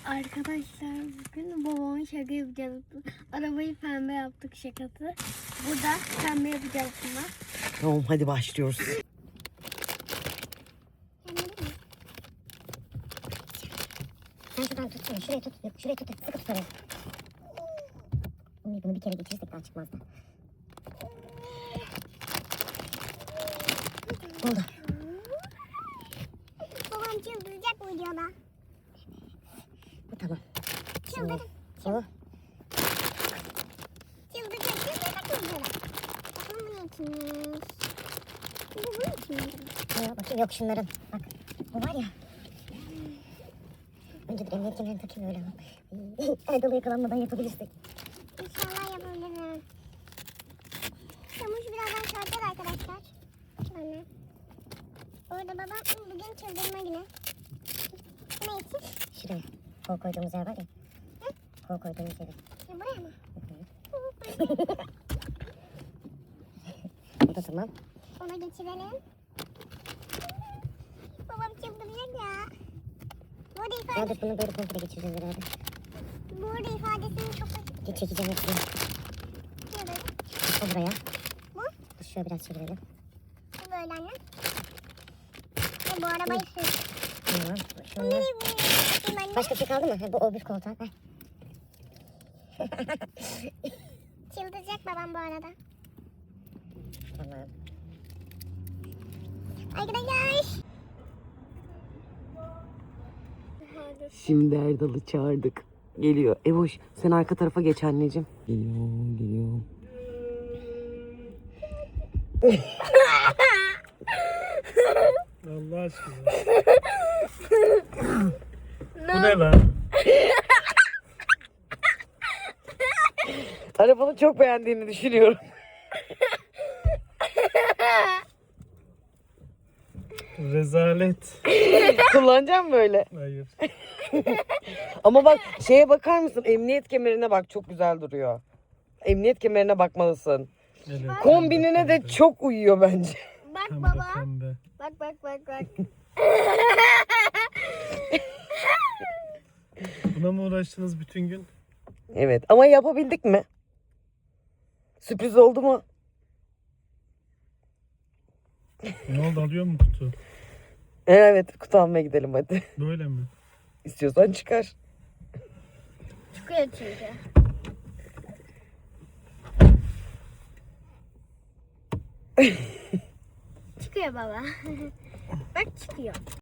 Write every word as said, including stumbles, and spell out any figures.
Arkadaşlar bugün babamın şaka yapacağız. Arabayı pembe yaptık şakası. Burada pembe yapacağız buna. Tamam hadi başlıyoruz. Sen şuradan tutsana. Şuraya tut. Yok, şuraya tut. Sıkı tut orayı. Uy, bunu bir kere geçirirsek daha çıkmazdı. Oldu. Babam çıldıracak bu videoda. Bu tamam. Çıldır. O. Çıldıracak. Çıldıracak videoda. Bakalım bu ne içinmiş. Bu bunun içinmiş. Ya, bakayım yok şunların. Bak. Bu var ya. Önce bir emniyet kemerini takayım öyle. Erdalı yakalanmadan yapabilirsek. İnşallah yapabilirim. Çamuş birazdan çarpacak arkadaşlar. Bana. Orada babam bugün çıldırma günü. Ne için? Şuraya. Kol koyduğumuz yer var ya. Hı? Kol koyduğumuz yere. Ya buraya mı? O da tamam. Ona geçirelim. Babam çıldıracak ya. Bu arada ifade, Hadi bunu böyle komple geçireceğiz herhalde. bu arada ifadesini çok Git çekeceğim hepsini. açıyorum. O buraya. Bu? Dur şöyle biraz çevirelim. Bu böyle anne. Ve bu arabayı sür. Tamam. Bu Şunlar. nereye bu? Anne. Başka bir şey kaldı mı? Ha, bu o bir koltuğa. Ver. Çıldıracak babam bu arada. Tamam. Arkadaşlar. Şimdi Erdal'ı çağırdık. Geliyor. Evoş sen arka tarafa geç anneciğim. Geliyor geliyor. Allah aşkına. Bu ne lan? Arabanı çok beğendiğini düşünüyorum. Rezalet. Kullanacağım böyle. Hayır. Ama bak şeye bakar mısın? Emniyet kemerine bak çok güzel duruyor. Emniyet kemerine bakmalısın. Evet, Kombinine pembe, de pembe. çok uyuyor bence. Bak Pembe, baba. pembe. Bak bak bak bak. Buna mı uğraştınız bütün gün? Evet ama yapabildik mi? Sürpriz oldu mu? Ne oldu, alıyor mu kutu? Evet kutu almaya gidelim hadi. Böyle mi? İstiyorsan çıkar. Çıkıyor çünkü. Çıkıyor baba. Bak çıkıyor.